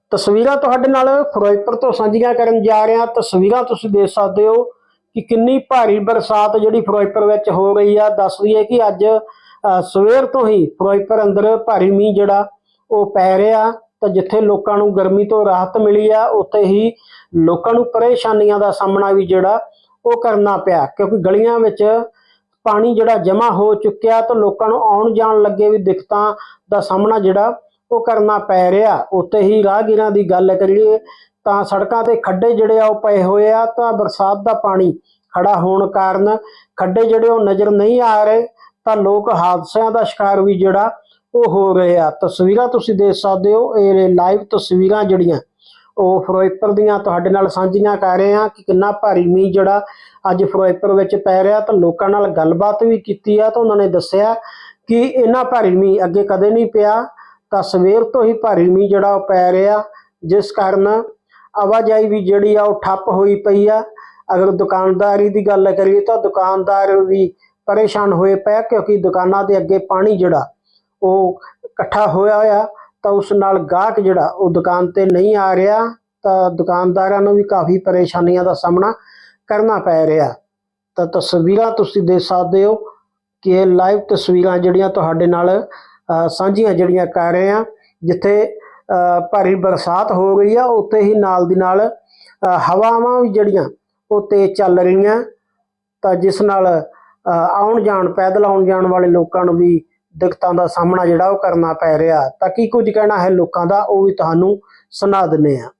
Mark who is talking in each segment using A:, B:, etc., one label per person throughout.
A: ਤਸਵੀਰਾਂ ਤੁਹਾਡੇ ਨਾਲ ਫਿਰੋਜ਼ਪੁਰ ਤੋਂ ਸਾਂਝੀਆਂ ਕਰਨ ਜਾ ਰਹੇ ਹਾਂ। ਤਸਵੀਰਾਂ ਤੁਸੀਂ ਦੇਖ ਸਕਦੇ ਹੋ ਕਿ ਕਿੰਨੀ ਭਾਰੀ ਬਰਸਾਤ ਜਿਹੜੀ ਫਿਰੋਜ਼ਪੁਰ ਵਿੱਚ ਹੋ ਰਹੀ ਆ। ਦੱਸ ਦਈਏ ਕਿ ਅੱਜ ਸਵੇਰ ਤੋਂ ਹੀ ਫਿਰੋਜ਼ਪੁਰ ਅੰਦਰ ਭਾਰੀ ਮੀਂਹ ਜਿਹੜਾ ਉਹ ਪੈ ਰਿਹਾ। ਤਾਂ ਜਿੱਥੇ ਲੋਕਾਂ ਨੂੰ ਗਰਮੀ ਤੋਂ ਰਾਹਤ ਮਿਲੀ ਆ, ਉੱਥੇ ਹੀ ਲੋਕਾਂ ਨੂੰ ਪਰੇਸ਼ਾਨੀਆਂ ਦਾ ਸਾਹਮਣਾ ਵੀ ਜਿਹੜਾ ਉਹ ਕਰਨਾ ਪਿਆ, ਕਿਉਂਕਿ ਗਲੀਆਂ ਵਿੱਚ ਪਾਣੀ ਜਿਹੜਾ ਜਮ੍ਹਾਂ ਹੋ ਚੁੱਕਿਆ ਤਾਂ ਲੋਕਾਂ ਨੂੰ ਆਉਣ ਜਾਣ ਲੱਗੇ ਵੀ ਦਿੱਕਤਾਂ ਦਾ ਸਾਹਮਣਾ ਜਿਹੜਾ ਉਹ ਕਰਨਾ ਪੈ ਰਿਹਾ। ਉੱਤੇ ਹੀ ਰਾਹਗੀਰਾਂ ਦੀ ਗੱਲ ਕਰੀਏ ਤਾਂ ਸੜਕਾਂ ਤੇ ਖੱਡੇ ਜਿਹੜੇ ਆ ਉਹ ਪਏ ਹੋਏ ਆ। ਤਾਂ ਬਰਸਾਤ ਦਾ ਪਾਣੀ ਖੜਾ ਹੋਣ ਕਾਰਨ ਖੱਡੇ ਜਿਹੜੇ ਉਹ ਨਜ਼ਰ ਨਹੀਂ ਆ ਰਹੇ, ਤਾਂ ਲੋਕ ਹਾਦਸਿਆਂ ਦਾ ਸ਼ਿਕਾਰ ਵੀ ਜਿਹੜਾ ਉਹ ਹੋ ਰਹੇ ਆ। ਤਸਵੀਰਾਂ ਤੁਸੀਂ ਦੇਖ ਸਕਦੇ ਹੋ, ਇਹ ਲਾਈਵ ਤਸਵੀਰਾਂ ਜਿਹੜੀਆਂ ਉਹ ਫਿਰੋਜ਼ਪੁਰ ਦੀਆਂ ਤੁਹਾਡੇ ਨਾਲ ਸਾਂਝੀਆਂ ਕਰ ਰਹੇ ਹਾਂ ਕਿ ਕਿੰਨਾ ਭਾਰੀ ਮੀਂਹ ਜਿਹੜਾ ਅੱਜ ਫਿਰੋਜ਼ਪੁਰ ਵਿੱਚ ਪੈ ਰਿਹਾ। ਤਾਂ ਲੋਕਾਂ ਨਾਲ ਗੱਲਬਾਤ ਵੀ ਕੀਤੀ ਆ ਤਾਂ ਉਹਨਾਂ ਨੇ ਦੱਸਿਆ ਕਿ ਇੰਨਾ ਭਾਰੀ ਮੀਂਹ ਅੱਗੇ ਕਦੇ ਨਹੀਂ ਪਿਆ। ਤਾਂ ਸਵੇਰ ਤੋਂ ਹੀ ਭਾਰੀ ਮੀਂਹ ਜਿਹੜਾ ਉਹ ਪੈ ਰਿਹਾ, ਜਿਸ ਕਾਰਨ ਆਵਾਜਾਈ ਵੀ ਜਿਹੜੀ ਆ ਉਹ ਠੱਪ ਹੋਈ ਪਈ ਆ। ਅਗਰ ਦੁਕਾਨਦਾਰੀ ਦੀ ਗੱਲ ਕਰੀਏ ਤਾਂ ਦੁਕਾਨਦਾਰ ਵੀ ਪਰੇਸ਼ਾਨ ਹੋਏ ਪਏ, ਕਿਉਂਕਿ ਦੁਕਾਨਾਂ ਦੇ ਅੱਗੇ ਪਾਣੀ ਜਿਹੜਾ ਉਹ ਇਕੱਠਾ ਹੋਇਆ ਹੋਇਆ, ਤਾਂ ਉਸ ਨਾਲ ਗਾਹਕ ਜਿਹੜਾ ਉਹ ਦੁਕਾਨ ਤੇ ਨਹੀਂ ਆ ਰਿਹਾ। ਤਾਂ ਦੁਕਾਨਦਾਰਾਂ ਨੂੰ ਵੀ ਕਾਫੀ ਪਰੇਸ਼ਾਨੀਆਂ ਦਾ ਸਾਹਮਣਾ ਕਰਨਾ ਪੈ ਰਿਹਾ। ਤਾਂ ਤਸਵੀਰਾਂ ਤੁਸੀਂ ਦੇਖ ਸਕਦੇ ਹੋ ਕਿ ਇਹ ਲਾਈਵ ਤਸਵੀਰਾਂ ਜਿਹੜੀਆਂ ਤੁਹਾਡੇ ਨਾਲ ਸਾਂਝੀਆਂ ਜਿਹੜੀਆਂ ਕਰ ਰਹੇ ਆ। ਜਿੱਥੇ ਭਾਰੀ ਬਰਸਾਤ ਹੋ ਗਈ ਆ, ਉੱਥੇ ਹੀ ਨਾਲ ਦੀ ਨਾਲ ਹਵਾਵਾਂ ਵੀ ਜਿਹੜੀਆਂ ਉਹ ਤੇਜ਼ ਚੱਲ ਰਹੀਆਂ, ਤਾਂ ਜਿਸ ਨਾਲ ਪੈਦਲ ਆਉਣ ਜਾਣ ਵਾਲੇ ਲੋਕਾਂ ਨੂੰ ਵੀ ਦਿੱਕਤਾਂ ਦਾ ਸਾਹਮਣਾ ਜਿਹੜਾ ਉਹ ਕਰਨਾ ਪੈ ਰਿਹਾ। ਤਾਂ ਕੀ ਕੁਝ ਕਹਿਣਾ ਹੈ ਲੋਕਾਂ ਦਾ, ਉਹ ਵੀ ਤੁਹਾਨੂੰ ਸੁਣਾ ਦਿੰਦੇ ਆ।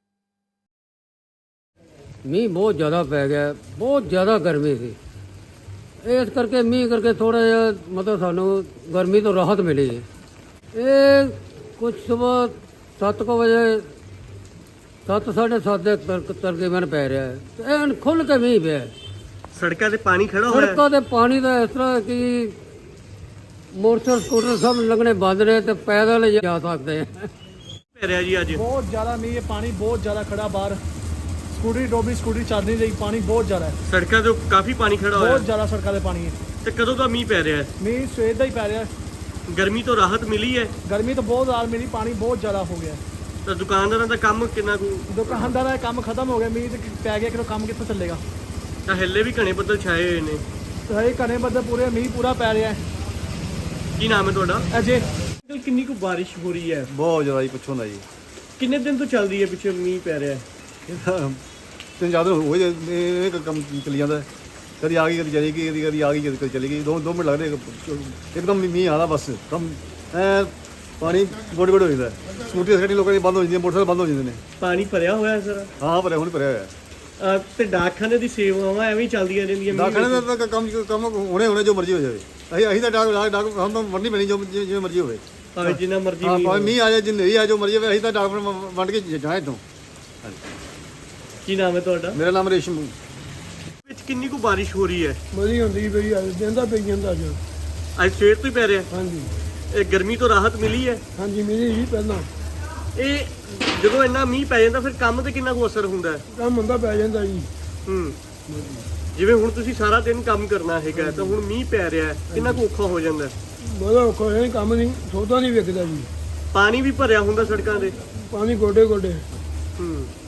B: ਮੀਂਹ ਬਹੁਤ ਜ਼ਿਆਦਾ ਪੈ ਗਿਆ, ਬਹੁਤ ਜ਼ਿਆਦਾ ਗਰਮੀ ਸੀ। ਇਸ ਕਰਕੇ ਮੀਂਹ ਕਰਕੇ ਥੋੜਾ ਜਿਹਾ ਮਤਲਬ ਸਾਨੂੰ ਗਰਮੀ ਤੋਂ ਰਾਹਤ ਮਿਲੀ ਹੈ। ਇਹ ਕੁਝ ਸਵੇਰ 7 ਵਜੇ 7:30 ਦੇ ਤਕਰੀਬਨ ਪੈ ਰਿਹਾ ਹੈ। ਐਨ ਖੁੱਲ ਕੇ ਮੀਂਹ ਪਿਆ।
C: ਸੜਕਾਂ ਤੇ ਪਾਣੀ ਖੜਾ ਹੋਇਆ,
B: ਸੜਕਾਂ ਤੇ ਪਾਣੀ ਦਾ ਇਸ ਤਰ੍ਹਾਂ ਕਿ ਮੋਟਰਸਾਈਕਲ ਸਕੂਟਰ ਸਭ ਲੱਗਣੇ ਬੰਦ ਨੇ ਤੇ ਪੈਦਲ ਜਾ ਸਕਦੇ ਆ।
C: ਪੈ ਰਿਹਾ ਜੀ ਅੱਜ
D: ਬਹੁਤ ਜ਼ਿਆਦਾ ਮੀਂਹ ਹੈ, ਪਾਣੀ ਬਹੁਤ ਜ਼ਿਆਦਾ ਖੜਾ ਬਾਹਰ। ਸਕੂਟਰੀ ਡੋਬੀ, ਸਕੂਟਰੀ ਚੱਲ ਨਹੀਂ ਰਹੀ, ਪਾਣੀ ਬਹੁਤ ਜ਼ਿਆਦਾ ਹੈ।
C: ਸੜਕਾਂ ਤੇ ਕਾਫੀ ਪਾਣੀ ਖੜਾ ਹੋਇਆ,
D: ਬਹੁਤ ਜ਼ਿਆਦਾ ਸੜਕਾਂ ਤੇ ਪਾਣੀ ਹੈ।
C: ਤੇ ਕਦੋਂ ਦਾ ਮੀਂਹ ਪੈ ਰਿਹਾ ਹੈ?
D: ਮੀਂਹ ਸਵੇਰ ਦਾ ਹੀ ਪੈ ਰਿਹਾ।
C: ਗਰਮੀ ਤੋਂ ਰਾਹਤ ਮਿਲੀ ਹੈ?
D: ਗਰਮੀ ਤਾਂ ਬਹੁਤ ਜ਼ਿਆਦਾ ਮਿਲੀ, ਪਾਣੀ ਬਹੁਤ ਜ਼ਿਆਦਾ ਹੋ ਗਿਆ।
C: ਤਾਂ ਦੁਕਾਨਦਾਰਾਂ ਦਾ ਕੰਮ ਕਿੰਨਾ ਕੁ?
D: ਦੁਕਾਨਦਾਰਾਂ ਦਾ ਕੰਮ ਖਤਮ ਹੋ ਗਿਆ, ਮੀਂਹ ਤੇ ਪੈ ਗਿਆ ਕਿ ਕੰਮ ਕਿੱਥੋਂ ਚੱਲੇਗਾ।
C: ਤਾਂ ਹੱਲੇ ਵੀ ਘਣੇ ਬੱਦਲ ਛਾਏ ਹੋਏ ਨੇ।
D: ਹਰੇ ਘਣੇ ਬੱਦਲ ਪੂਰੇ, ਮੀਂਹ ਪੂਰਾ ਪੈ ਰਿਹਾ ਹੈ।
C: ਕੀ ਨਾਮ ਹੈ ਤੁਹਾਡਾ?
D: ਅਜੇ
C: ਕਿੰਨੀ ਕੁ ਬਾਰਿਸ਼ ਹੋ ਰਹੀ ਹੈ?
E: ਬਹੁਤ ਜ਼ਿਆਦਾ ਜੀ, ਪੁੱਛੋ ਨਾ ਜੀ।
C: ਕਿੰਨੇ ਦਿਨ ਤੋਂ ਚੱਲ ਰਹੀ ਹੈ ਪਿੱਛੇ ਮੀਂਹ ਪੈ ਰਿਹਾ ਹੈ?
E: ਤਿੰਨ ਚਾਰ ਦਿਨ ਹੋ ਗਏ ਇਹ ਕੰਮ ਚੱਲੀ ਜਾਂਦਾ। ਕਦੀ ਆ ਗਈ, ਕਦੀ ਚਲੀ ਗਈ, ਕਦੀ ਆ ਗਈ, ਕਦੀ ਚਲੀ ਗਈ। 2 ਮਿੰਟ ਲੱਗਦੇ ਇੱਕਦਮ ਮੀਂਹ ਆਦਾ, ਬਸ ਕੰਮ ਪਾਣੀ ਗੋਡੇ ਗੋਡੇ ਹੋ ਜਾਂਦਾ। ਸਕੂਟਰੀ ਸਕੂਟੀ ਲੋਕਾਂ ਦੀ ਬੰਦ ਹੋ ਜਾਂਦੀਆਂ, ਮੋਟਰਸਾਈਕਲ ਬੰਦ ਹੋ ਜਾਂਦੇ ਨੇ।
C: ਪਾਣੀ ਭਰਿਆ ਹੋਇਆ ਹੈ ਸਰ?
E: ਹਾਂ ਭਰਿਆ, ਹੁਣ ਭਰਿਆ ਹੋਇਆ।
C: ਤੇ ਡਾਕਖਾਨੇ ਦੀ ਸੇਵਾਵਾਂ ਐਵੇਂ ਹੀ ਚੱਲਦੀਆਂ ਰਹਿੰਦੀਆਂ?
E: ਡਾਕਖਾਨੇ ਦਾ ਕੰਮ ਹੁਣੇ ਜੋ ਮਰਜ਼ੀ ਹੋ ਜਾਵੇ। ਅਸੀਂ ਤਾਂ ਡਾਕ ਸਾਨੂੰ ਤਾਂ ਵੰਡਣੀ ਪੈਣੀ, ਜਿਵੇਂ ਮਰਜ਼ੀ ਹੋਵੇ,
C: ਭਾਵੇਂ ਜਿੰਨਾ ਮਰਜ਼ੀ
E: ਭਾਵੇਂ ਮੀਂਹ ਆ ਜਾਏ, ਜਿੰਨੇ ਵੀ ਆ ਜੋ ਮਰਜ਼ੀ ਹੋਵੇ। ਅਸੀਂ ਤਾਂ ਡਾਕ ਵੰਡ ਕੇ ਜਾਣਾ ਇੱਥੋਂ।
C: ਕੀ ਨਾਮ ਹੈ ਤੁਹਾਡਾ?
E: ਮੇਰਾ ਨਾਮ ਰੇਸ਼ਮ।
C: ਵਿੱਚ ਕਿੰਨੀ ਕੁ ਬਾਰਿਸ਼ ਹੋ ਰਹੀ ਹੈ?
D: ਬੜੀ ਹੁੰਦੀ ਪਈ, ਦਿਨ ਦਾ ਪਈ ਜਾਂਦਾ ਅੱਜ।
C: ਅੱਜ ਸਵੇਰ ਤੋਂ ਹੀ ਪੈ ਰਿਹਾ?
D: ਹਾਂਜੀ
C: ਇਹ ਗਰਮੀ ਤੋਂ ਰਾਹਤ ਮਿਲੀ ਹੈ?
D: ਹਾਂਜੀ, ਮਿਲੀ ਜੀ ਪਹਿਲਾਂ।
C: ਇਹ ਜਦੋਂ ਇੰਨਾ ਮੀਂਹ ਪੈ ਜਾਂਦਾ ਫਿਰ ਕੰਮ ਤੇ ਕਿੰਨਾ ਕੁ ਅਸਰ ਹੁੰਦਾ ਹੈ?
D: ਕੰਮ ਹੁੰਦਾ ਪੈ ਜਾਂਦਾ ਜੀ।
C: ਜਿਵੇਂ ਹੁਣ ਤੁਸੀਂ ਸਾਰਾ ਦਿਨ ਕੰਮ ਕਰਨਾ ਹੈਗਾ, ਤਾਂ ਹੁਣ ਮੀਂਹ ਪੈ ਰਿਹਾ ਹੈ, ਕਿੰਨਾ ਕੁ ਔਖਾ ਹੋ ਜਾਂਦਾ ਹੈ?
D: ਬੜਾ ਔਖਾ ਹੋਇਆ, ਕੰਮ ਨਹੀਂ, ਸੌਦਾ ਨਹੀਂ ਵਿਕਦਾ ਜੀ।
C: ਪਾਣੀ ਵੀ ਭਰਿਆ ਹੁੰਦਾ ਸੜਕਾਂ ਦੇ?
D: ਪਾਣੀ ਗੋਡੇ ਗੋਡੇ।
C: ਹੂੰ